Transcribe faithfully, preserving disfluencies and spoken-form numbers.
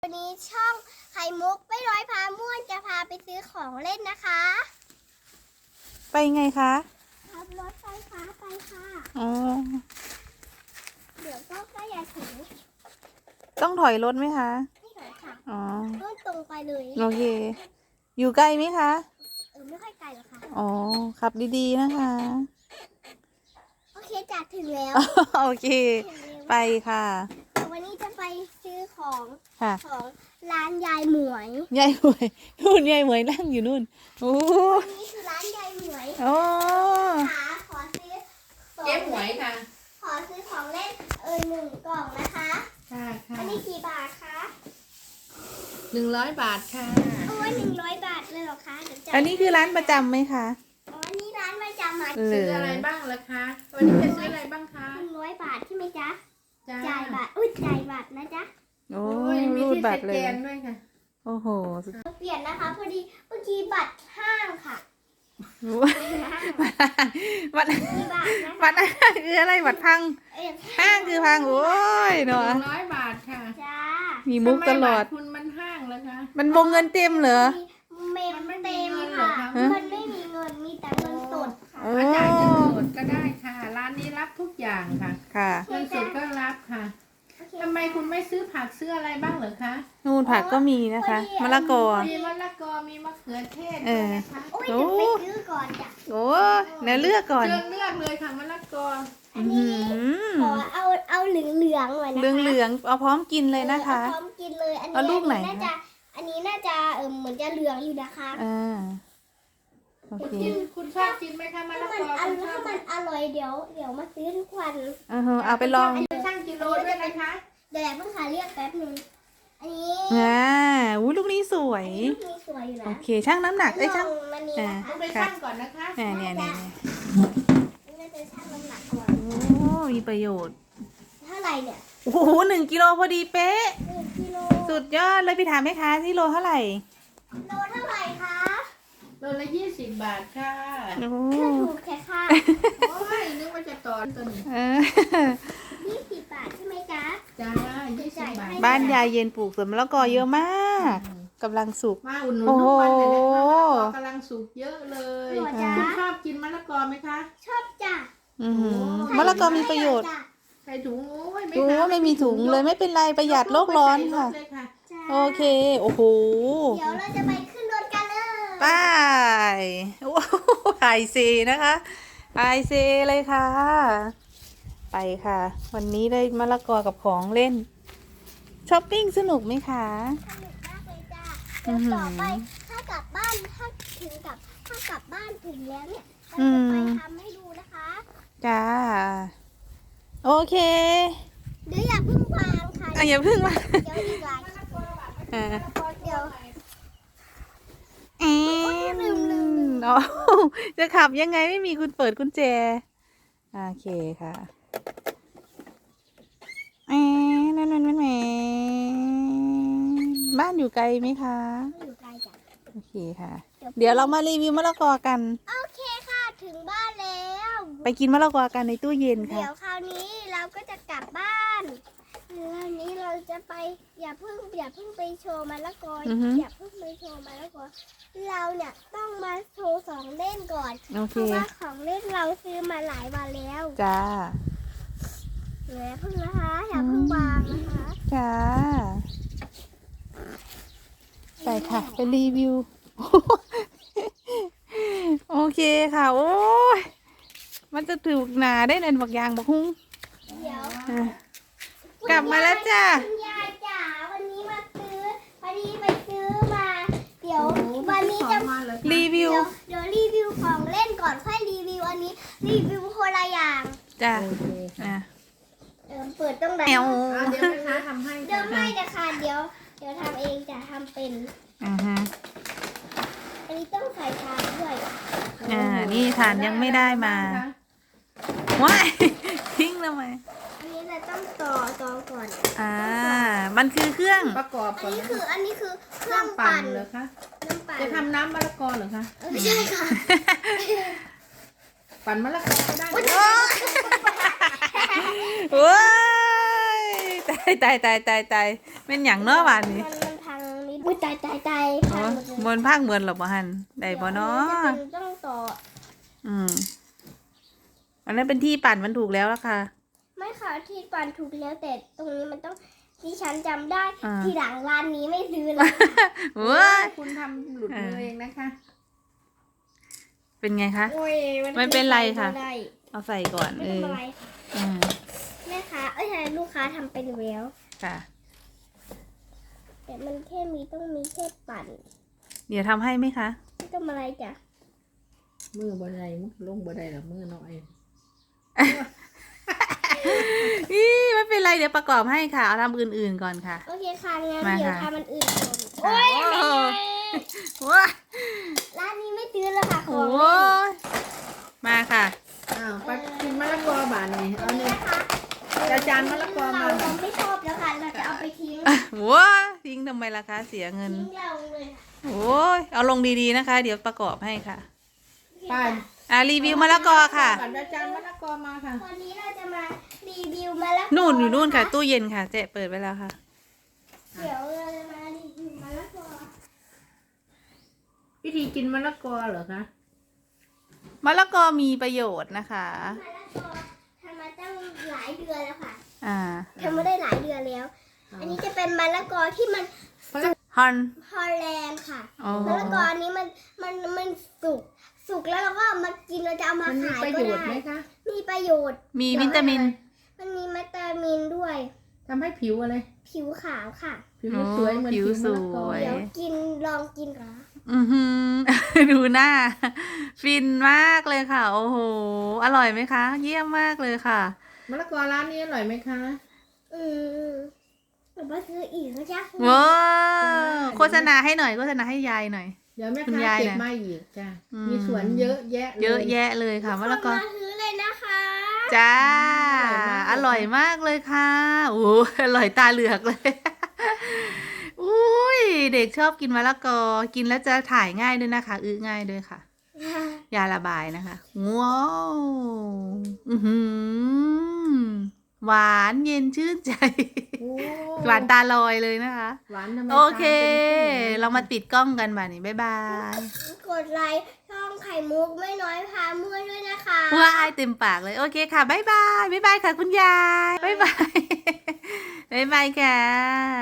วันนี้ช่องไข่มุกไม่ร้อยพาม่วนจะพาไปซื้อของเล่นนะคะไปไงคะขับรถไฟฟ้าไปค่ะอ๋อเดี๋ยวก็ใกล้จะถึงต้องถอยรถไหมคะไม่ถอยค่ะอ๋อต้องตรงไปเลยโอเคอยู่ไกลไหมคะเออไม่ค่อยไกลหรอกค่ะอ๋อขับดีๆนะคะโอเคจัดถึงแล้วโอเคไปค่ะวันนี้จะไปซื้อของค่ะของร้านยายหมวยยายหมวยนู่นยายหมวยนั่งอยู่นู่นโอ้นี่คือร้านยายหมวยโอ้ค่ะขอซื้อเจ๊หมวยค่ะขอซื้อของเล่นเออหนึ่งกล่องนะคะค่ะค่ะอันนี้กี่บาทคะหนึ่งร้อยบาทค่ะโอ้ยหนึ่งร้อยบาทเลยเหรอคะอันนี้คือร้านประจำไหมคะอ๋อนี่ร้านประจำมาซื้ออะไรบ้างล่ะคะวันนี้จะซื้ออะไรบ้างคะหนึ่งร้อยบาทใช่ไหมจ๊ะจ่ายบาทอุ้ยจ่ายบาทนะจ๊ะโอ้ยมีที่บัตรเลยด้วยค่ะโอ้โหเปลี่ยนนะคะพอดีเมื่อกี้บัตรห้างค่ะบัตรบัตรคืออะไรบัตรพังห้างคือพังโอ้ยเนาะหนึ่งร้อยบาทค่ะจ้ามีมุกตลอดคุณมันห้างแล้วคะมันวงเงินเต็มเหรอเมมเต็มค่ะมันไม่มีเงินมีแต่เงินสดค่ะจ่ายเงินสดก็ได้ค่ะร้านนี้รับทุกอย่างค่ะค่ะเงินสดก็รับค่ะทำไมคุณไม่ซื้อผักซื้ออะไรบ้างเหรอคะนู่นผักก็มีนะคะมะละกอมีมะละกอมีมะเขือเทศเออโอ้ยจะไปซื้อก่อนจ้ะโอ้เนื้อเลือกก่อนเลือกเลือกเลยค่ะมะละกออันนี้ขอเอาเอาเหลืองเหลืองหน่อยนะคะเหลืองเหลืองเอาพร้อมกินเลยนะคะพร้อมกินเลยอันนี้เอาลูกไหนน่าจะอันนี้น่าจะเออเหมือนจะเหลืองอยู่นะคะอ่าโอเคคุณชอบกินไหมคะมะละกอถ้ามันถ้ามันอร่อยเดี๋ยวเดี๋ยวมาซื้อทุกวันเออเอาไปลองช่างกิโลด้วยไหมคะเดี๋ยวเพิ่งหาเรียกแป๊บนึงอันนี้อ่าอู้ลูกนี้สวยลูกนี้สวยอยู่นะโอเคช่างน้ำหนักได้ช่างอ่าไปช่างก่อนนะคะเนี่ยเนี่ยเนี่ยน่าจะช่างน้ำหนักก่อนโอ้มีประโยชน์เท่าไหร่เนี่ยโอ้โหหนึ่งกิโลพอดีเป๊ะหนึ่งกิโลสุดยอดเลยพี่ถามไหมคะที่โลเท่าไหร่โลเท่าไหร่คะโลละยี่สิบบาทค่ะโอ้ถูกแค่ค่ะโอ้ยนึกว่าจะตอนตัวนี้ยี่สิบบาทใช่ไหมจ๊ะจ้ายี่สิบบาทบ้านยายเย็นปลูกสวนมะละกอเยอะมากกำลังสุกมาอุ่นนุนทุกวันเลยนะคะกำลังสุกเยอะเลยคุณชอบกินมะละกอไหมคะชอบจ้ะมะละกอมีประโยชน์ใส่ถุงโอ้ยไม่ค่ะไม่มีถุงเลยไม่เป็นไรประหยัดโลกร้อนค่ะโอเคโอ้โหเดี๋ยวเราจะไปขึ้นรถกันเลยไปโอ้ไฮเซนะคะไฮเซเลยค่ะไปค่ะวันนี้ได้มะละกอกับของเล่นช้อปปิ้งสนุกไหมคะสนุกมากเลยจ้ะเดี๋ยวต่อไปถ้ากลับบ้านถ้าถึงกับถ้ากลับบ้านถึงแล้วเนี่ยเราจะไปทำให้ดูนะคะจ้าโอเคเดี๋ยวอย่าเพิ่งวางค่ะอ่ะอย่าเพิ่งวางเดี๋ยวอีกหลายอ่าเดี๋ยวเอ๊ะลืมลืมอ๋อจะขับยังไงไม่มีคุณเปิดกุญแจโอเคค่ะเอ๊ะนั่นนั่นนั่นแหมบ้านอยู่ไกลไหมคะอยู่ไกลจ้ะโอเคค่ะเดี๋ยวเรามารีวิวมะละกอกันโอเคค่ะถึงบ้านแล้วไปกินมะละกอกันในตู้เย็นค่ะเดี๋ยวคราวนี้เราก็จะกลับบ้านคราวนี้เราจะไปอย่าเพิ่งอย่าเพิ่งไปโชว์มะละกออย่าเพิ่งไปโชว์มะละกอเราเนี่ยต้องมาโชว์ของเล่นก่อนเพราะว่าของเล่นเราซื้อมาหลายวันแล้วจ้าอย่าเพิ่งนะคะอย่าเพิ่งวางนะคะจ้าไปค่ะไปรีวิวโอเคค่ะโอ้ยมันจะถูกหนาได้ในบักยางบักหุ้งเดี๋ยวกลับมาแล้วจ้าคุณยายจ๋าวันนี้มาซื้อพอดีไปซื้อมาเดี๋ยววันนี้จะรีวิวเดี๋ยวรีวิวของเล่นก่อนค่อยรีวิวอันนี้รีวิวคนละอย่างจ้าอ่ะเออเปิดต้องไหนเดี๋ยวนะคะทำให้เดี๋ยวไม่จะค่ะเดี๋ยวเดี๋ยวทำเองจะทำเป็นอ่าฮะอันนี้ต้องใส่ทานด้วยอ่านี่ทานยังไม่ได้มาว้ายทิ้งทำไมอันนี้เราต้องต่อต่อก่อนอ่ามันคือเครื่องประกอบอันนี้คืออันนี้คือเครื่องปั่นเหรอคะน้ำปั่นจะทำน้ำมะละกอเหรอคะไม่ใช่ค่ะปั่นมะละกอได้โอ้ยตาายตายตายตายตายเป็นอย่างเนาะหวานนี่มันมันพังนิดอุ้ยตายตายตายอ๋พัองหมดเลยบนภาคเหมือนหรอบ่ฮันได้บ่เนาะดี๋ยวอันนี้จะเป็นต้องต่ออืมอันนั้นเป็นที่ปั่นมันถูกแล้วล่ะค่ะไม่ค่ะที่ปั่นถูกแล้วแต่ตรงนี้มันต้องที่ฉันจำได้อ่าทีหลังร้านนี้ไม่ซื้อแล้วค่ะเว้ยคุณทำหลุดมือเองนะคะเป็นไงคะโอ้ยไม่เป็นไรค่ะไม่ได้เอาใส่ก่อนไม่เออทำอะไรอืมแม่ค้าเอ้ยใช่ลูกค้าทำเป็นแล้วค่ะแต่มันแค่มีต้องมีแค่ปั่นเดี๋ยวทำให้ไหมคะไม่ต้องอะไรจ้ะมือบ่ได้มุดลงบ่ได้หรอกมือน้อยอีไม่เป็นไรเดี๋ยวประกอบให้ค่ะ เอาทำอื่นๆก่อนค่ะโอเคค่ะงั้นมาเดี๋ยวค่ะทำมันอื่นก่อนโอ้โอ้ยว้าร้านนี้ไม่ซื้อแล้วค่ะขโอ้องเล่นยมาค่ะอ้าวไปกินมะละกอบานนี่เอานี่นี่นะคะจะจานมะละกอมาเราไม่ชอบแล้วค่ะเราจะเอาไปทิ้งว้าทิ้งทำไมล่ะคะ เสียเงินทิ้งเราเลยค่ะโอ้ยเอาลงดีๆนะคะ เดี๋ยวประกอบให้ค่ะไปอ่ะรีวิวมะละกอค่ะก่อนจะจานมะละกอมาค่ะวันนี้เราจะมารีวิวมะละกอนู่นอยู่นู่นค่ะะตู้เย็นค่ะ เจ๊เปิดไว้แล้วค่ะเดี๋ยวเราจะมารีวิวมะละกอวิธีกินมะละกอเหรอคะมะละกอมีประโยชน์นะคะมะละกอทำมาตั้งหลายเดือนแล้วค่ะอ่าทำมาได้หลายเดือนแล้ว อันนี้จะเป็นมะละกอที่มันฮอนฮอลแลนด์ค่ะอ๋อมะละกออันนี้มันมันมันสุกสุกแล้วเราก็เอามากินเราจะเอามามันมีขายประก็โยชน์ไหมได้คะมีประโยชน์มีวิตามินมันมีวิตามินด้วยทำให้ผิวอะไรผิวขาวค่ะผิวสวยเหมือนผิผิววสมะละกอวยเดี๋ยวกินลองกินก่อนนะอือหือ ดูหน้า ฟินมากเลยค่ะ โอ้โห อร่อยไหมคะ เยี่ยมมากเลยค่ะมะละกอร้านนี้อร่อยไหมคะอืมหรือว่าซื้ออีกก็จะว้าวโฆษณาให้หน่อยโฆษณาให้ยายหน่อยเดี๋ยวแม่คุณค้ายายเก็บน่ะมาอีกจ้ะอืมมีสวนเยอะแยะเลยเยอะแยะเลยค่ะมะละกอมาซื้อเลยนะคะจ้าออร่ร่ออย ยมากเลยค่ะโอ้อร่อยตาเหลือกเลย อุ้ยเด็กชอบกินมะละกอ กินแล้วจะถ่ายง่ายด้วยนะคะ อื้อง่ายด้วยค่ะ ยาระบายนะคะ ว้าวอือหือหวานเย็นชื่นใจโอ้หวานตาลอยเลยนะคะหวานทำไมโอเคตป็นเรามาปิดกล้องกันบ่านี้บ๊ายบายกดไลค์ช่องไข่มุกไม่น้อยพาเมื่อยด้วยนะคะว้ายเต็มปากเลย โอเคค่ะบ๊ายบายบ๊ายบายค่ะคุณยายบ๊ายบาย บ๊ายบายค่ะ